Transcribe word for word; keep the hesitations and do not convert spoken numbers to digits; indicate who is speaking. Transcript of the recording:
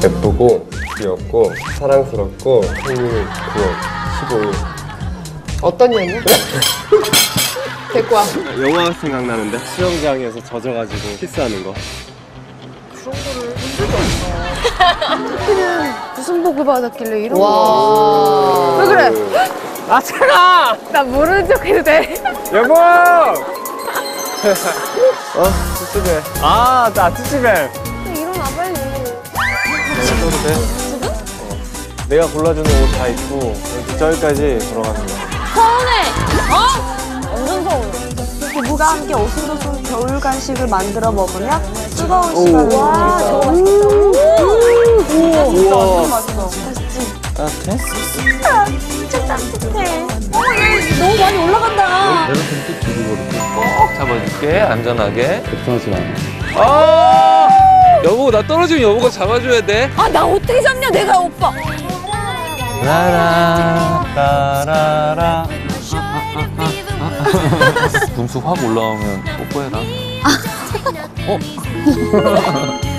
Speaker 1: 예쁘고 귀엽고 사랑스럽고 생일 구월 십오일.
Speaker 2: 어떤 년이야? 데리고 와.
Speaker 1: 영화 생각나는데? 수영장에서 젖어가지고 키스하는 거.
Speaker 2: 그런 거를 본 적이 없어. 무슨 복을 받았길래 이런 거. 왜 그래?
Speaker 1: 아 차가!
Speaker 2: 나 모르는 척 해도 돼?
Speaker 1: 여보! 어? 츠츠벨. 아, 나 츠츠벨.
Speaker 2: 일어나 빨리.
Speaker 1: 써도 돼? 어. 내가 골라주는 옷 다 입고 저기까지 걸어가는 거야.
Speaker 2: 서운해! 어? 완전 서운해.
Speaker 3: 부부가 함께 오순도순 겨울 간식을 만들어 먹으며 뜨거운 시간을
Speaker 2: 와, 저거
Speaker 3: 보내죠.
Speaker 2: 맛있겠다.
Speaker 3: 우와,
Speaker 1: 우와.
Speaker 3: 완전 맛있어. 맛있지?
Speaker 1: 따뜻해?
Speaker 3: 진짜 따뜻해. 어머, 얘 너무 많이 올라간다.
Speaker 4: 내가 좀또 뒤로 걸을게. 꼭 잡아줄게, 안전하게.
Speaker 1: 걱정하지 마.
Speaker 4: 아! 여보, 나 떨어지면 여보가 잡아줘야 돼.
Speaker 2: 아, 나 어떻게 잡냐, 내가 오빠.
Speaker 4: 라라, 라라라. 분수 확 올라오면 뽀뽀해라. 어?